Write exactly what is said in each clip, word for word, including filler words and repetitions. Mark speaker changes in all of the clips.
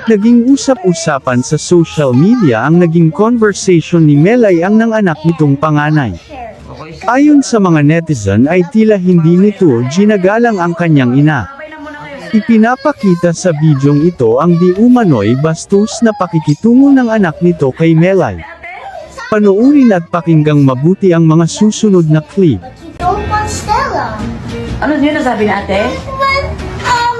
Speaker 1: Naging usap-usapan sa social media ang naging conversation ni Melay ang nanganak nitong panganay. Ayon sa mga netizen ay tila hindi nito ginagalang ang kanyang ina. Ipinapakita sa bidyong ito ang di umano'y bastos na pakikitungo ng anak nito kay Melay. Panoorin at pakinggang mabuti ang mga susunod na clip.
Speaker 2: Don't want Stella.
Speaker 3: Ano yun nasabi ni ate?
Speaker 2: But, um,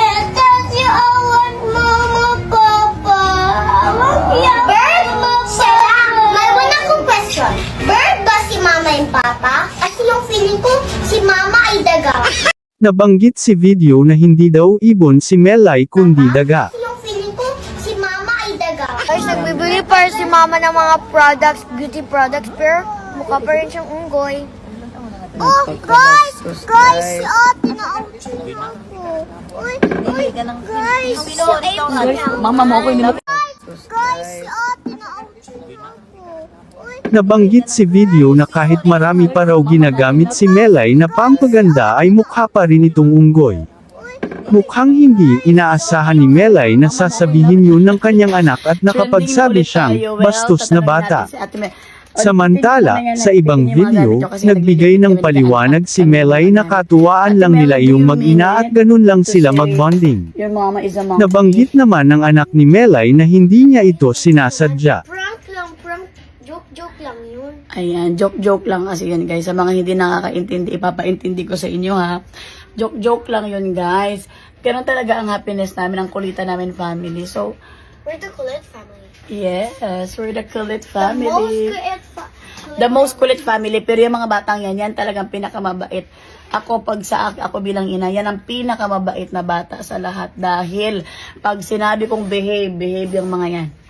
Speaker 2: kasi I want Mama, Papa. I want Bird, Stella, may una kong question. Bird ba si Mama and Papa? Kasi yung feeling ko, si Mama ay daga.
Speaker 1: Nabanggit si video na hindi daw ibon si Melay kundi daga.
Speaker 2: Kasi yung feeling ko, si Mama ay daga.
Speaker 4: Guys, nagbibili pa rin si mama ng mga products, beauty products, pero mukha pa rin siyang unggoy.
Speaker 2: Oh, guys! Guys, si ate na ouch ako. Uy, uy, guys! Si ate na.
Speaker 3: Mama mo ako hindi mo.
Speaker 2: Guys, si ate na ouch ako. Uy,
Speaker 1: Nabanggit si video na kahit marami pa raw ginagamit si Melay na pampaganda ay mukha pa rin itong unggoy. Mukhang hindi inaasahan ni Melay na sasabihin yun ng kanyang anak at nakapagsabi siyang bastos na bata. Samantala, sa ibang video, nagbigay ng paliwanag si Melay na katuwaan lang nila iyong mag-ina at ganun lang sila mag-bonding.
Speaker 3: Your mama is a monkey.
Speaker 1: Nabanggit naman ng anak ni Melay na hindi niya ito sinasadya.
Speaker 2: prank lang, prank. Joke-joke lang yun.
Speaker 3: Ayan, joke-joke lang kasi yun guys. Sa mga hindi nakakaintindi, ipapaintindi ko sa inyo ha. Joke-joke lang yun guys. Ganun talaga ang happiness namin, ang kulitan namin family. So,
Speaker 2: We're the Kulit family.
Speaker 3: yes, we're the kulit
Speaker 2: The most
Speaker 3: family.
Speaker 2: kulit fa-
Speaker 3: The most kulit family. Pero yung mga batang yan, yan talagang pinakamabait. Ako, pag sa ak- ako bilang ina, yan ang pinakamabait na bata sa lahat. Dahil, pag sinabi kong behave, behave yung mga yan.